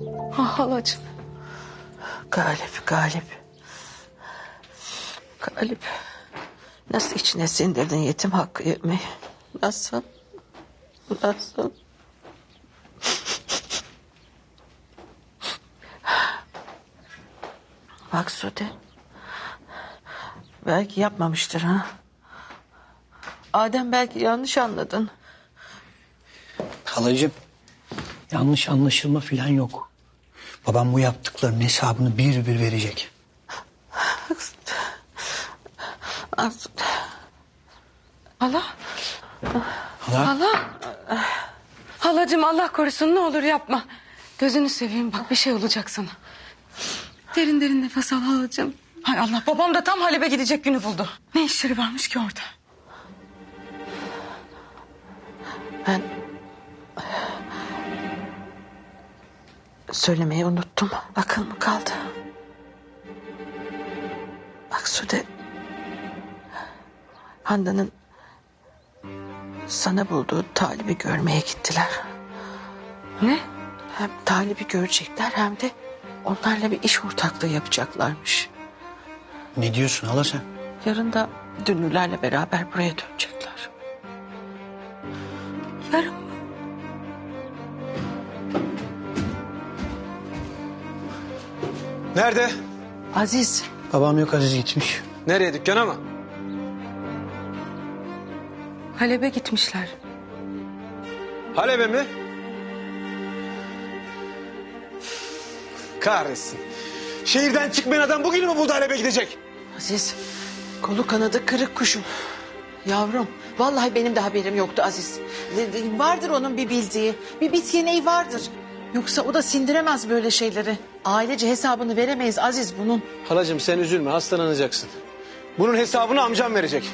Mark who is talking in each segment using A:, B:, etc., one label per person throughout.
A: Ah halacığım.
B: Galip. Galip. Nasıl içine sindirdin yetim hakkı yemeği? Nasıl? Bak Sude. Belki yapmamıştır ha. Adem belki yanlış anladın.
C: Halacığım, yanlış anlaşılma falan yok. Babam bu yaptıklarının hesabını bir bir verecek.
A: Hala.
C: Hala?
A: Halacığım Allah korusun ne olur yapma. Gözünü seveyim bak bir şey olacak sana. Derin derin nefes al halacığım. Hay Allah babam da tam Halep'e gidecek günü buldu. Ne işleri varmış ki orada?
B: Ben söylemeyi unuttum. Akıl mı kaldı? Bak Sude, Handan'ın sana bulduğu Talip'i görmeye gittiler.
A: Ne?
B: Hem Talip'i görecekler hem de onlarla bir iş ortaklığı yapacaklarmış.
C: Ne diyorsun hala sen?
B: Yarın da Dünlülerle beraber buraya dönecekler.
A: Yarın mı?
D: Nerede?
B: Aziz,
C: Babam yok, Aziz gitmiş.
D: Nereye, dükkana mı?
A: Halep'e gitmişler.
D: Halep'e mi? Kahretsin. Şehirden çıkmayan adam bugün mü buldu Halep'e gidecek?
B: Aziz, kolu kanadı kırık kuşum. Yavrum, vallahi benim de haberim yoktu Aziz. Vardır onun bir bildiği, bir bit yeneği vardır. Yoksa o da sindiremez böyle şeyleri. Ailece hesabını veremeyiz Aziz bunun.
D: Halacığım sen üzülme, hastalanacaksın. Bunun hesabını amcam verecek.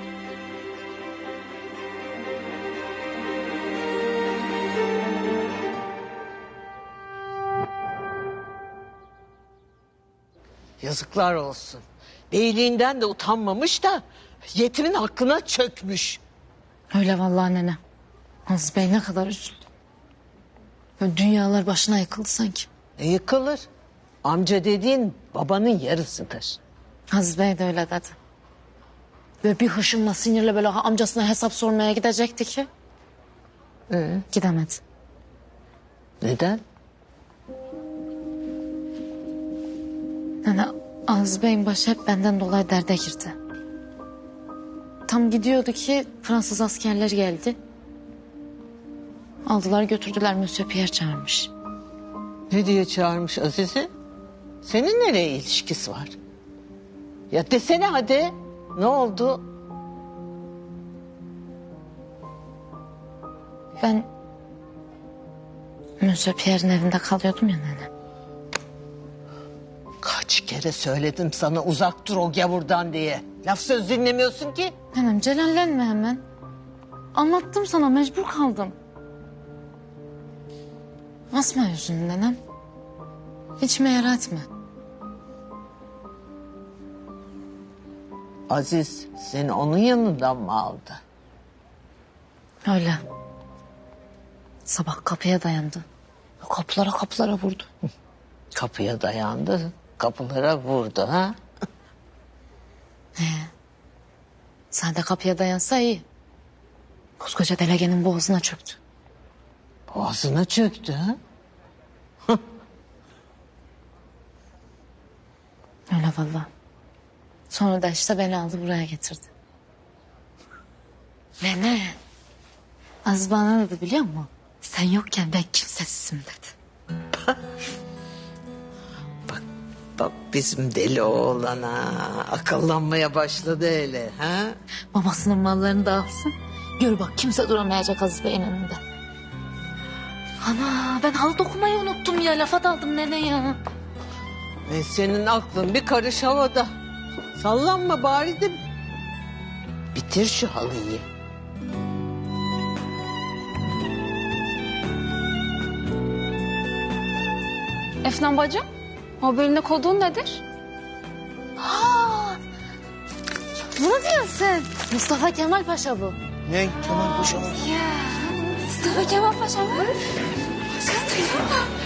E: Yazıklar olsun. Beyliğinden de utanmamış da yetimin hakkına çökmüş.
F: Öyle vallahi nene. Aziz Bey ne kadar üzüldü. Böyle dünyalar başına yıkıldı sanki.
E: Yıkılır. Amca dediğin babanın yarısıdır.
F: Aziz Bey de öyle dedi. Böyle bir hışımla sinirle böyle amcasına hesap sormaya gidecekti ki. Gidemedi.
E: Neden?
F: Nene Aziz Bey'in başı hep benden dolayı derde girdi. Tam gidiyordu ki Fransız askerler geldi. Aldılar götürdüler, Monsieur Pierre çağırmış.
E: Ne diye çağırmış Aziz'i? Senin nereye ilişkisi var? Ya desene hadi. Ne oldu?
F: Ben Monsieur Pierre'in evinde kalıyordum ya nene.
E: Kaç kere söyledim sana uzak dur o gavurdan diye. Laf söz dinlemiyorsun ki.
F: Nenem celallenme hemen. Anlattım sana, mecbur kaldım. Asma yüzünü nenem. İçime yer etme.
E: Aziz seni onun yanından mı aldı?
F: Öyle. Sabah kapıya dayandı. Kapılara vurdu.
E: Kapıya dayandı, kapılara vurdu ha?
F: Sen de kapıya dayansa iyi. Koskoca delegenin boğazına çöktü.
E: Boğazına çöktü ha?
F: Öyle vallahi. Sonra da işte beni aldı buraya getirdi. Nene. Aziz bana ne dedi biliyor musun? Sen yokken ben kimsesizim dedi.
E: Bak bizim deli oğlana akıllanmaya başladı hele ha?
F: Babasının mallarını da alsın. Gör bak kimse duramayacak Aziz Bey'in önünde. Ana ben halı dokumayı unuttum ya. Lafa daldım nene ya.
E: Senin aklın bir karış havada. Sallanma bari de bitir şu halıyı.
G: Efnan bacım, haberinde kodun nedir?
F: Bunu diyorsun. Mustafa Kemal Paşa bu.
C: Ne Kemal Paşa?
G: Mustafa Kemal Paşa mı?